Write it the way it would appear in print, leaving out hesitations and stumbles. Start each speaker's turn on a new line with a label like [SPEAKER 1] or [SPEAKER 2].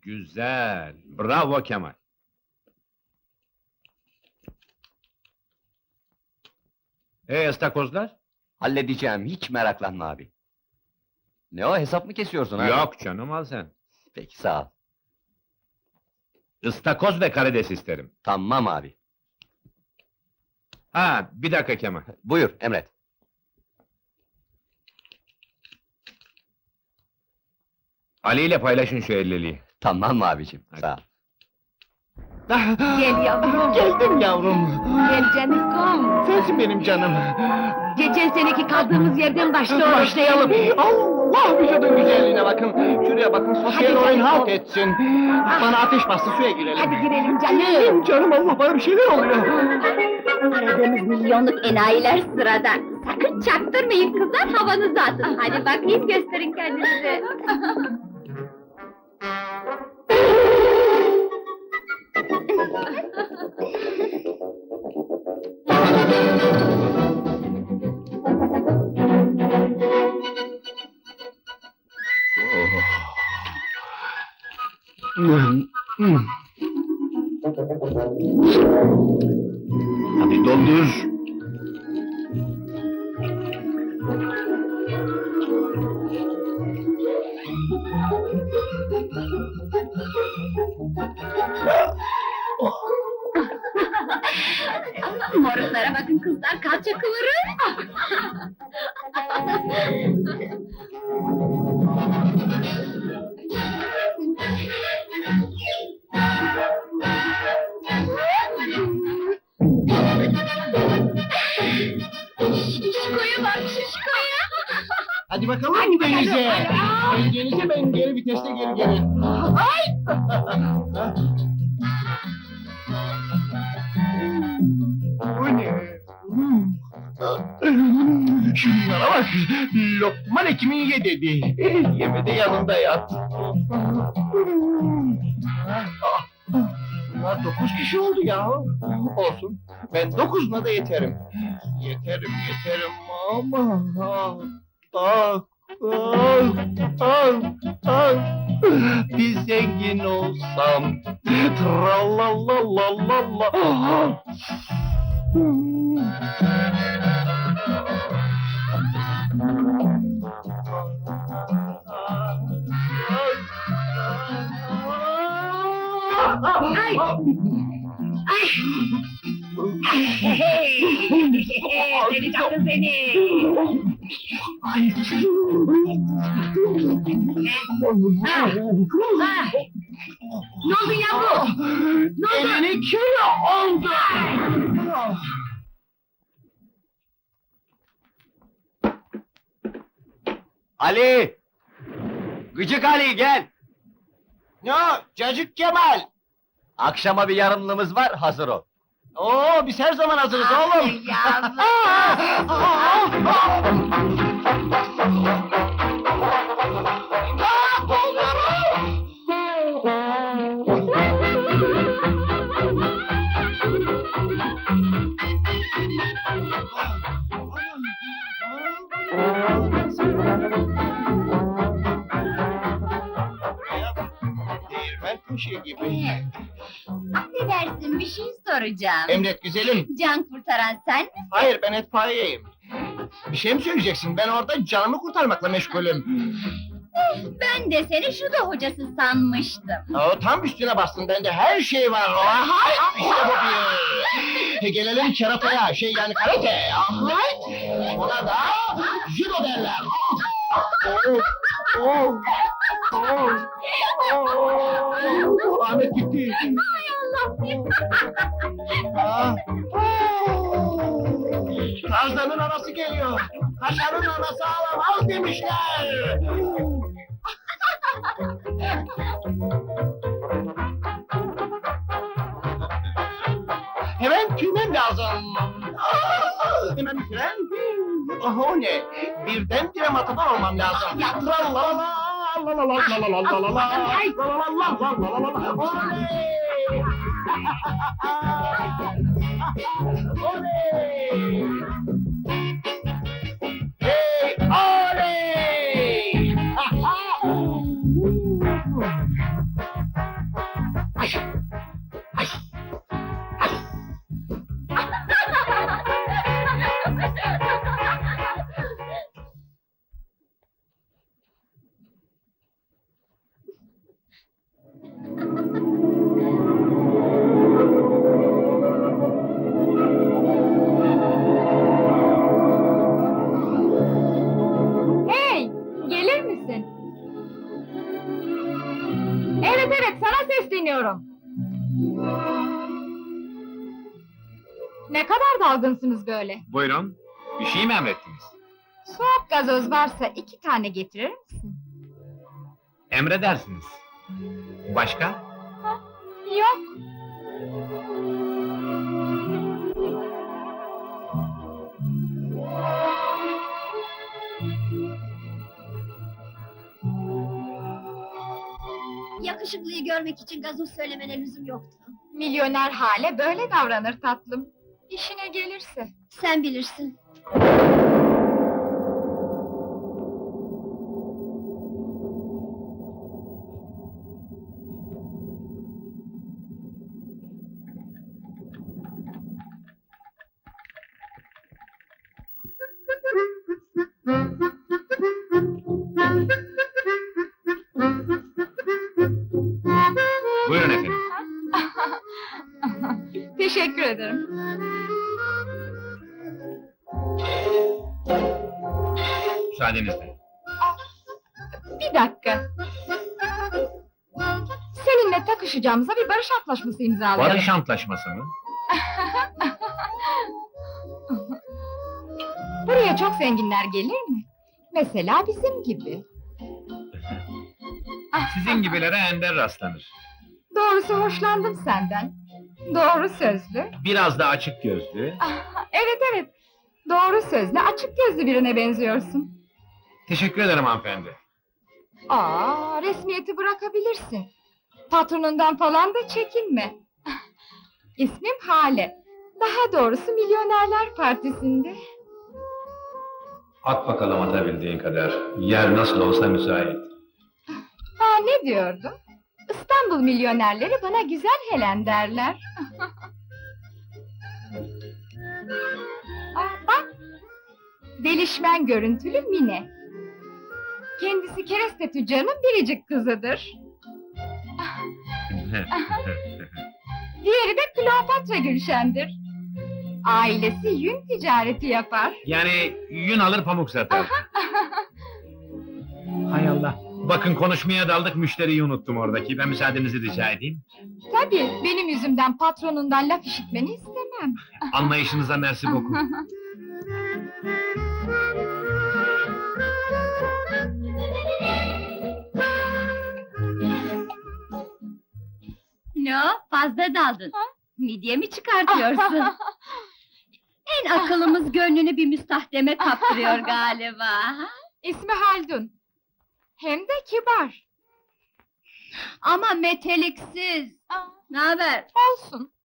[SPEAKER 1] Güzel, bravo Kemal. Istakozlar?
[SPEAKER 2] Halledeceğim, hiç meraklanma abi. Ne o, hesap mı kesiyorsun abi?
[SPEAKER 1] Yok canım, al sen.
[SPEAKER 2] Peki, sağ ol.
[SPEAKER 1] Istakoz ve karides isterim.
[SPEAKER 2] Tamam abi.
[SPEAKER 1] Ha, bir dakika Kemal.
[SPEAKER 2] Buyur, emret.
[SPEAKER 1] Ali ile paylaşın şu 50'liği.
[SPEAKER 2] Tamam abicim,
[SPEAKER 1] Hadi.
[SPEAKER 2] sağ ol.
[SPEAKER 3] Gel yavrum.
[SPEAKER 4] Geldim yavrum.
[SPEAKER 3] Gel canikom.
[SPEAKER 4] Sensin benim canım.
[SPEAKER 3] Geçen seneki kaldığımız yerden başlayalım.
[SPEAKER 4] Allah, vücudun güzelliğine bakın. Şuraya bakın, sosyal
[SPEAKER 3] Hadi
[SPEAKER 4] oyun
[SPEAKER 3] canım.
[SPEAKER 4] halt etsin. Bana ateş bastı, suya girelim.
[SPEAKER 3] Hadi girelim canım.
[SPEAKER 4] Girelim canım, Allah, bana bir şeyler oluyor.
[SPEAKER 5] Aradığımız milyonluk enayiler sırada. Sakın çaktırmayın kızlar, havanızı atın. Hadi bakayım, gösterin kendinizi.
[SPEAKER 4] Hadi doldur.
[SPEAKER 5] Moruklara bakın kızlar, kalça kıvırın. Şişkoya bak, şişkoya.
[SPEAKER 4] Hadi bakalım denize. Denize, ben geri viteste geri. Bu ne? Şunlara bak, Lokman Hekim'in ye dedi. Yeme de yanında yat. Bunlar 9 kişi oldu ya. Olsun, ben 9'una da yeterim. Yeterim ama... Bir zengin olsam... Tralalalala...
[SPEAKER 3] Ay! Ay! Seni canım seni! Ha! Ne oldu yavrum? Ne oldu?
[SPEAKER 4] 50 kilo oldu!
[SPEAKER 2] Ali! Gıcık Ali, gel!
[SPEAKER 4] Ne o, Cacık Kemal?
[SPEAKER 2] Akşama bir yarımlığımız var, hazır ol.
[SPEAKER 4] Oo, biz her zaman hazırız oğlum. Değirmen kuşu gibi.
[SPEAKER 5] Affedersin, bir şey soracağım.
[SPEAKER 4] Emret güzelim.
[SPEAKER 5] Can kurtaran sen mi?
[SPEAKER 4] Hayır, ben etfaiyeyim. Bir şey mi söyleyeceksin? Ben orada canımı kurtarmakla meşgulüm.
[SPEAKER 5] Ben de seni şuda hocası sanmıştım.
[SPEAKER 4] O tam üstüne bastın, bende her şey var. Hay, işte bu bir. Gelelim kerataya, yani karate. Hay. Ona da judo derler. Ahmet gitti.
[SPEAKER 5] Ay Allah!
[SPEAKER 4] Ah. Tarzanın anası geliyor. Kaşarın anası ağlamaz demişler. Hemen tüymem lazım. Hemen bir fren. Oh, o ne? Birdenbire matador olmam lazım. Hey, oley!
[SPEAKER 5] Evet, sana sesleniyorum. Ne kadar dalgınsınız böyle?
[SPEAKER 1] Buyurun. Bir şey mi emrettiniz?
[SPEAKER 5] Soğuk gazoz varsa 2 tane getirir misin?
[SPEAKER 1] Emredersiniz. Başka?
[SPEAKER 5] Yok.
[SPEAKER 6] Yakışıklıyı görmek için gazoz söylemene lüzum yoktu.
[SPEAKER 5] Milyoner hale böyle davranır tatlım. İşine gelirse.
[SPEAKER 6] Sen bilirsin.
[SPEAKER 1] Buyurun efendim.
[SPEAKER 5] Teşekkür ederim.
[SPEAKER 1] Müsaadenizle.
[SPEAKER 5] Bir dakika. Seninle takışacağımıza bir barış antlaşması imzalayalım.
[SPEAKER 1] Barış antlaşması mı?
[SPEAKER 5] Buraya çok zenginler gelir mi? Mesela bizim gibi.
[SPEAKER 1] Sizin gibilere ender rastlanır.
[SPEAKER 5] Doğrusu hoşlandım senden. Doğru sözlü.
[SPEAKER 1] Biraz da açık gözlü.
[SPEAKER 5] Evet evet. Doğru sözlü, açık gözlü birine benziyorsun.
[SPEAKER 1] Teşekkür ederim hanımefendi.
[SPEAKER 5] Resmiyeti bırakabilirsin. Patronundan falan da çekinme. İsmim Hale. Daha doğrusu Milyonerler Partisi'nde.
[SPEAKER 1] At bakalım atabildiğin kadar. Yer nasıl olsa müsait.
[SPEAKER 5] Ne diyordum? İstanbul milyonerleri bana güzel Helen derler. Bak! Delişmen görüntülü Mine. Kendisi kereste tüccarının biricik kızıdır. Diğeri de Kleopatra Gülşen'dir. Ailesi yün ticareti yapar.
[SPEAKER 1] Yani yün alır pamuk satar. Hay Allah. Bakın konuşmaya daldık, müşteriyi unuttum oradaki. Ben müsaadenizi rica edeyim.
[SPEAKER 5] Tabii, benim yüzümden patronundan laf işitmeni istemem.
[SPEAKER 1] Anlayışınıza mersi beaucoup.
[SPEAKER 6] Ne o? Fazla daldın. Midye mi çıkartıyorsun? En akıllımız gönlünü bir müstahdeme kaptırıyor galiba.
[SPEAKER 5] İsmi Haldun. Hem de kibar.
[SPEAKER 6] Ama meteliksiz. Ne haber?
[SPEAKER 5] Olsun.